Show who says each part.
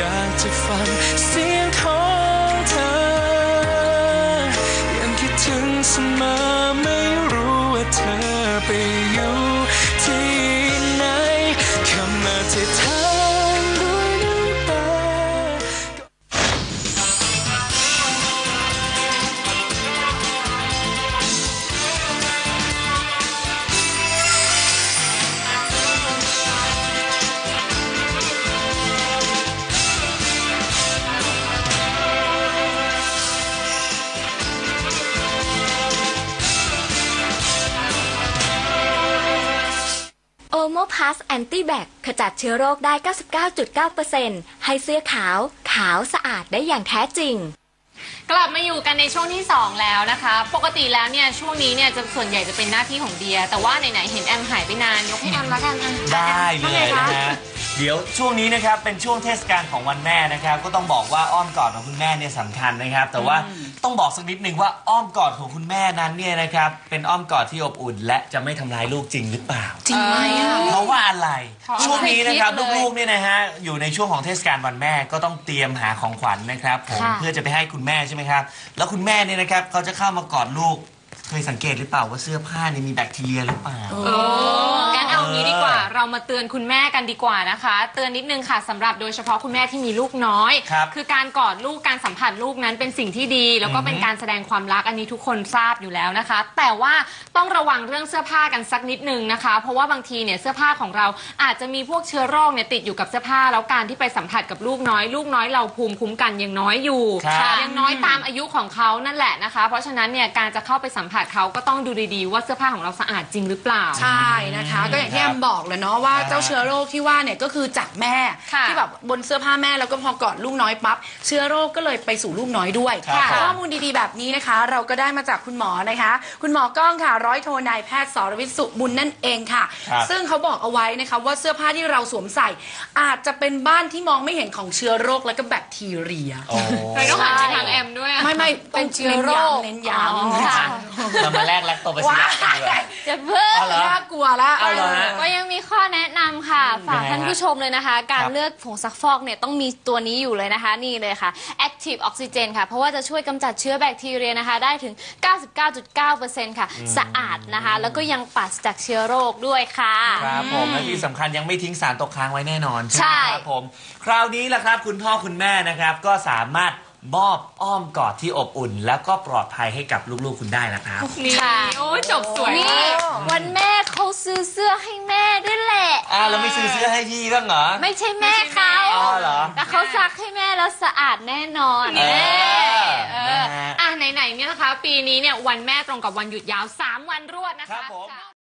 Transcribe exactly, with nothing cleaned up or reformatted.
Speaker 1: ากจะฟังเสียงของเธอยังคิดถึงเสมอไม่รู้ว่าเธอไปอยู่ที่ไหนคำอธิษฐานด้วยน้ำตา
Speaker 2: โอโมพลัสแอนตี้แบคขจัดเชื้อโรคได้ เก้าสิบเก้าจุดเก้าเปอร์เซ็นต์ ให้เสื้อขาวขาวสะอาดได้อย่างแท้จริง
Speaker 3: กลับมาอยู่กันในช่วงที่สองแล้วนะคะปกติแล้วเนี่ยช่วงนี้เนี่ยจะส่วนใหญ่จะเป็นหน้าที่ของเดียแต่ว่าไหนๆเห็นแอมหายไปนานยกให้แอมละกัน
Speaker 4: ได้เลยนะฮะเดี๋ยวช่วงนี้นะครับเป็นช่วงเทศกาลของวันแม่นะครับก็ต้องบอกว่าอ้อมกอดของคุณแม่เนี่ยสำคัญนะครับแต่ว่าต้องบอกสักนิดนึงว่าอ้อมกอดของคุณแม่นั้นเนี่ยนะครับเป็นอ้อมกอดที่อบอุ่นและจะไม่ทำร้ายลูกจริงหรือเปล่า
Speaker 3: จริงไหมอ่ะ
Speaker 4: เพราะว่าอะไรช่วงนี้นะครับลูกๆเนี่ยนะฮะอยู่ในช่วงของเทศกาลวันแม่ก็ต้องเตรียมหาของขวัญนะครับผมเพื่อจะไปให้คุณแม่ใช่ไหมครับแล้วคุณแม่เนี่ยนะครับเขาจะเข้ามากอดลูกเคยสังเกตหรือเปล่าว่าเสื้อผ้านี่มีแบคทีเรียหรือเปล่า
Speaker 3: โอ้งั้นเอางี้ดีกว่าเรามาเตือนคุณแม่กันดีกว่านะคะเตือนนิดนึงค่ะสำหรับโดยเฉพาะคุณแม่ที่มีลูกน้อยคือการกอดลูกการสัมผัสลูกนั้นเป็นสิ่งที่ดีแล้วก็เป็นการแสดงความรักอันนี้ทุกคนทราบอยู่แล้วนะคะแต่ว่าต้องระวังเรื่องเสื้อผ้ากันสักนิดนึงนะคะเพราะว่าบางทีเนี่ยเสื้อผ้าของเราอาจจะมีพวกเชื้อโรคเนี่ยติดอยู่กับเสื้อผ้าแล้วการที่ไปสัมผัสกับลูกน้อยลูกน้อยเราภูมิคุ้มกันยังน้อยอยู่ยังน้อยตามอายุของเขานั่นแหละนะคะเพราะฉะนั้นเนี่ยการจะเข้าไปสัมผัสเขาก็ต้องดูดีๆว่าเสื้อผ้าของเราสะอาดจริงหรือเปล่า
Speaker 5: ใช่นะคะก็อย่างที่แอมบอกเลยเนาะว่าเจ้าเชื้อโรคที่ว่าเนี่ยก็คือจากแม่ที่แบบบนเสื้อผ้าแม่แล้วก็พอกอดลูกน้อยปั๊บเชื้อโรคก็เลยไปสู่ลูกน้อยด้วยข้อมูลดีๆแบบนี้นะคะเราก็ได้มาจากคุณหมอนะคะคุณหมอก้องค่ะร้อยโทนายแพทย์สรวิทย์สุบุญนั่นเองค่ะซึ่งเขาบอกเอาไว้นะคะว่าเสื้อผ้าที่เราสวมใส่อาจจะเป็นบ้านที่มองไม่เห็นของเชื้อโรคและก็แบคทีเรีย
Speaker 3: เลยต้องหันไปทางแอมด้วย
Speaker 5: ไม่ไม่เป็นเชื้อโรคเน้นย้
Speaker 4: ำเรามาแลกแลคโตบาซิลลัสกันเลย
Speaker 2: จะเพิ่ม
Speaker 5: น่ากลัวละ
Speaker 2: ก็ยังมีข้อแนะนำค่ะฝากท่านผู้ชมเลยนะคะการเลือกผงซักฟอกเนี่ยต้องมีตัวนี้อยู่เลยนะคะนี่เลยค่ะ Active Oxygen ค่ะเพราะว่าจะช่วยกำจัดเชื้อแบคทีเรียนะคะได้ถึง เก้าสิบเก้าจุดเก้าเปอร์เซ็นต์ ค่ะสะอาดนะคะแล้วก็ยังปราศจากเชื้อโรคด้วยค่ะ
Speaker 4: ครับผมและที่สำคัญยังไม่ทิ้งสารตกค้างไว้แน่นอนใช่ครับผมคราวนี้ล่ะครับคุณพ่อคุณแม่นะครับก็สามารถมอบอ้อมกอดที่อบอุ่นแล้วก็ปลอดภัยให้กับลูกๆคุณได้แล้วครับ
Speaker 3: นี่โอ้จบสวย
Speaker 2: นี่วันแม่เขาซื้อเสื้อให้แม่ด้วยแหละ
Speaker 4: อ่าเราไม่ซื้อเสื้อให้พี่บ้างเหรอ
Speaker 2: ไม่ใช่แม่เขา
Speaker 4: อ๋อเหรอ
Speaker 2: แต่เขาซักให้แม่แล้วสะอาดแน่นอน
Speaker 3: เอออ่ะไหนๆเนี่ยนะคะปีนี้เนี่ยวันแม่ตรงกับวันหยุดยาวสามวันรวดนะคะ